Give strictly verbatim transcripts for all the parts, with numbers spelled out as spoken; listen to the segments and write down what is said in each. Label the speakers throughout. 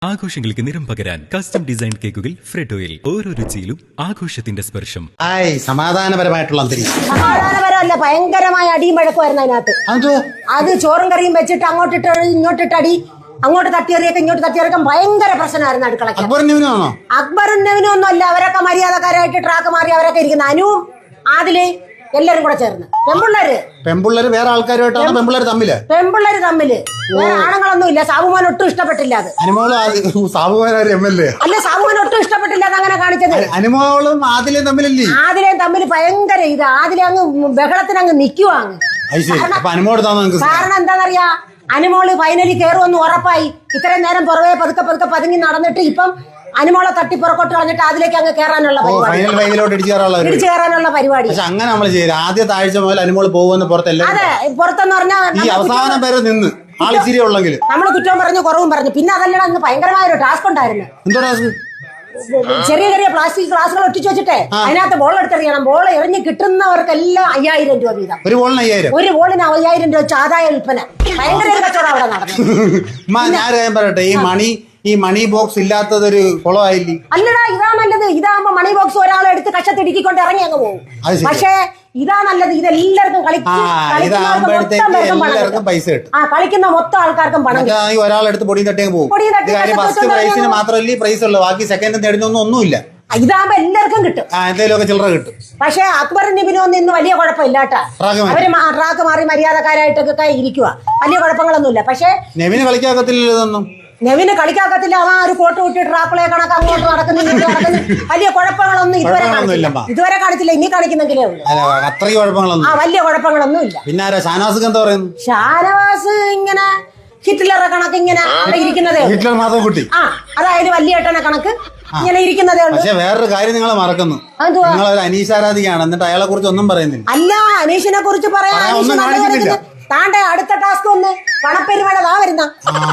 Speaker 1: ആഘോഷങ്ങൾക്ക് നിറം പകരാൻ കസ്റ്റം ഡിസൈൻ കേക്കുകൾ ഫ്രെഡോയിൽ ഓരോ രുചിയിലും ആഘോഷത്തിന്റെ സ്പർശം.
Speaker 2: ആയ് സമാധാനപരമായിട്ടുള്ള അന്തരീക്ഷം.
Speaker 3: സമാധാനപരമല്ല, ഭയങ്കരമായ അടിയും വഴക്കുമായിരുന്നു അതിനകത്ത്.
Speaker 2: അതോ
Speaker 3: അത് ചോറും കറിയും വെച്ചിട്ട് അങ്ങോട്ടിട്ട് ഇങ്ങോട്ടിട്ട് അടി, അങ്ങോട്ട് തട്ടിയെറിയൊക്കെ ഇങ്ങോട്ട് തട്ടിയെറിയാൻ ഭയങ്കര പ്രശ്നമായിരുന്നു അടുക്കളയ്ക്ക്.
Speaker 2: അക്ബറും നവീനാണോ?
Speaker 3: അക്ബറും നവീനും ഒന്നും അല്ല, അവരൊക്കെ മര്യാദക്കാരായിട്ട് ട്രാക്ക് മാറി അവരൊക്കെ ഇരിക്കുന്ന അനുവും ആദില് എല്ലാരും കൂടെ ചേർന്ന്. പെമ്പിള്ളേര്
Speaker 2: പെമ്പിള്ളേര് വേറെ ആൾക്കാരുമായിട്ടാണ് പെമ്പിള്ളേര് തമ്മില്
Speaker 3: പെമ്പിള്ളേര് തമ്മില് വേറെ ആണുങ്ങളൊന്നും ഇല്ല. സാബുമാൻ ഒട്ടും ഇഷ്ടപ്പെട്ടില്ല അത്.
Speaker 2: അനുമോളും സാബുമാനും എം എൽ എ
Speaker 3: അല്ല, സാബുമാൻ ഒട്ടും ഇഷ്ടപ്പെട്ടില്ല അത് അങ്ങനെ കാണിച്ചത്.
Speaker 2: അനുമോളും ആദിലേയും തമ്മിലല്ലേ?
Speaker 3: ആദിലേയും തമ്മിൽ ഭയങ്കര ഇത്. ആദിലെ അങ്ങ് ബഹളത്തിന് അങ്ങ് നിക്കുവാങ്ങ്. കാരണം എന്താണെന്നറിയാ, അനുമോള് ഫൈനലി കയറുമെന്ന് ഉറപ്പായി. ഇത്രയും നേരം പുറവേ പതുക്കെ പതുക്കെ പതുങ്ങി നടന്നിട്ട് ഇപ്പം അനുമോളെ തട്ടി പുറക്കോട്ട് കളഞ്ഞിട്ട് അതിലേക്ക് അങ്ങ് കയറാനുള്ള പരിപാടി, ഇടിച്ചു കയറാനുള്ള പരിപാടി.
Speaker 2: അങ്ങനെ നമ്മൾ ചെയ്യും. ആദ്യത്തെ ആഴ്ച മുതൽ അനുമോള് പോകുമെന്ന് പുറത്തല്ല.
Speaker 3: അതെ, പുറത്തെന്ന് പറഞ്ഞാൽ
Speaker 2: ഈ അവസാനം വരെ നിന്ന് ആളിച്ചിരി ഉള്ളെങ്കിൽ
Speaker 3: നമ്മള് കുറ്റവും പറഞ്ഞു കുറവും പറഞ്ഞു. പിന്നെ അതല്ലടാ, അന്ന് ഭയങ്കരമായ ഒരു ടാസ്ക് ഉണ്ടായിരുന്നു.
Speaker 2: എന്തോ ടാസ്ക്?
Speaker 3: ചെറിയ ചെറിയ പ്ലാസ്റ്റിക് ഗ്ലാസുകൾ ഒട്ടിച്ചു വെച്ചിട്ടേ അതിനകത്ത് ബോൾ എടുത്തെറിയണം. ബോൾ എറിഞ്ഞ് കിട്ടുന്നവർക്കെല്ലാം അയ്യായിരം രൂപ വീതം.
Speaker 2: ഒരു ബോളിന് അയ്യായിരം
Speaker 3: ഒരു ബോളിന് അയ്യായിരം രൂപ വെച്ച് ആദായ വിൽപ്പന. ഭയങ്കര ഒരു കച്ചവടം അവിടെ നടന്നു.
Speaker 2: ഞാൻ പറയട്ടെ, ഈ മണി ഈ മണി ബോക്സ് ഇല്ലാത്തതൊരു കുളമായില്ലേ?
Speaker 3: അല്ലടാ, ഇതാ നല്ലത്. ഇതാകുമ്പോ മണി ബോക്സ് ഒരാളെ എടുത്ത് കഷത്തിടുക്കിക്കൊണ്ട് ഇറങ്ങി അങ്ങ് പോകും. പക്ഷേ ഇതാ നല്ലത്. ഇതെല്ലാവർക്കും
Speaker 2: എല്ലാവർക്കും പൈസ കിട്ടും.
Speaker 3: ആ, കളിക്കുന്ന മൊത്തം ആൾക്കാർക്കും പണം.
Speaker 2: ഒരാളെടുത്ത് പൊടി തട്ടിയും പോകും. ഫസ്റ്റ് പ്രൈസിന് മാത്രമല്ലേ പ്രൈസ് ഉള്ളൂ, ബാക്കി സെക്കൻഡ് തേർഡിനൊന്നും ഒന്നുമില്ല.
Speaker 3: ഇതാകുമ്പോ എല്ലാവർക്കും കിട്ടും,
Speaker 2: എന്തെങ്കിലുമൊക്കെ ചില്ലറ കിട്ടും.
Speaker 3: പക്ഷെ അക്ബറും നിബിനും ഇന്ന് വലിയ കുഴപ്പമില്ല കേട്ടാ. അവര് ട്രാക്ക് മാറി മര്യാദക്കാരായിട്ടൊക്കെ ഇരിക്കുക, വലിയ കുഴപ്പങ്ങളൊന്നുമില്ല. പക്ഷെ
Speaker 2: നെവിന് കളിക്കാക്കത്തില്ല ഇതൊന്നും.
Speaker 3: നെവിന് കളിക്കാക്കത്തില്ല. അവൻ ഒരു കോട്ട് വിട്ട് ട്രാക്കുളെ കണക്ക് അങ്ങോട്ട് നടക്കുന്നു ഇങ്ങോട്ട് നടക്കുന്നു. വലിയ കുഴപ്പങ്ങളൊന്നും ഇതുവരെ ഇതുവരെ കാണിച്ചില്ല. ഇനി കാണിക്കുന്നെങ്കിലേ ഉള്ളൂ.
Speaker 2: അത്രയും കുഴപ്പങ്ങളൊന്നും
Speaker 3: ആ വലിയ കുഴപ്പങ്ങളൊന്നും ഇല്ല.
Speaker 2: പിന്നെ ഷാനവാസ് എന്താ പറയുന്നു?
Speaker 3: ഷാനവാസ് ഇങ്ങനെ ഹിറ്റ്ലറെ കണക്ക് ഇങ്ങനെ ഇരിക്കുന്നതേ.
Speaker 2: ഹിറ്റ്ലർ മാധവ് കുട്ടി.
Speaker 3: ആ, അതായത് വലിയ ഏട്ടനെ കണക്ക് ഇങ്ങനെ ഇരിക്കുന്നതേ ഉള്ളൂ.
Speaker 2: പക്ഷെ വേറൊരു കാര്യം നിങ്ങൾ മറക്കുന്നു. നിങ്ങളൊരു അനീഷാരാധികയാണ്, എന്നിട്ട് അയാളെ കുറിച്ച് ഒന്നും പറയുന്നില്ല.
Speaker 3: അല്ല, അനീഷിനെ കുറിച്ച് പറയാൻ താണ്ടെ അടുത്ത ടാസ്ക് ഒന്ന് പണപ്പെരുമഴ താ വരുന്ന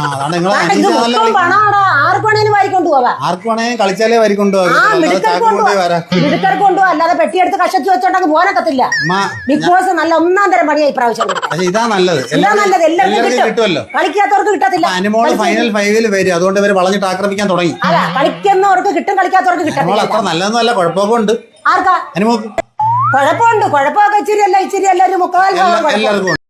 Speaker 3: പണാടാ. ആർക്ക് വേണേലും വാരിക്കൊണ്ടു പോവാ.
Speaker 2: ആർക്ക് വേണേലും കളിച്ചാലേ വാരിക്കൊണ്ടുപോകാം.
Speaker 3: മിടുക്കർക്ക് കൊണ്ടുപോവാ, അല്ലാതെ പെട്ടിയെടുത്ത് കഷത്തി വെച്ചോണ്ടങ്ങ് പോകാനൊക്കത്തില്ല. ബിഗ് ബോസ് നല്ല ഒന്നാം തരം പണിയായി പ്രാവശ്യം.
Speaker 2: ഇതാ നല്ലത്.
Speaker 3: ഇതാ നല്ലത്. എല്ലാവർക്കും കിട്ടുമല്ലോ, കളിക്കാത്തവർക്ക് കിട്ടത്തില്ല.
Speaker 2: അനുമോൾ ഫൈനൽ ഫൈവില് വരും, അതുകൊണ്ട് ഇവര് വളഞ്ഞിട്ട് ആക്രമിക്കാൻ തുടങ്ങി.
Speaker 3: അല്ല, കളിക്കുന്നവർക്ക് കിട്ടും, കളിക്കാത്തവർക്ക് കിട്ടത്തില്ല.
Speaker 2: അത്ര നല്ലതൊന്നുമല്ല, കുഴപ്പമൊക്കെ ഉണ്ട്.
Speaker 3: ആർക്കാ
Speaker 2: അനുമോക്ക്
Speaker 3: കുഴപ്പമുണ്ട്? കുഴപ്പമൊക്കെ ഇച്ചിരി അല്ല ഇച്ചിരി അല്ല ഒരു മുക്കാൽ
Speaker 2: എല്ലാവർക്കും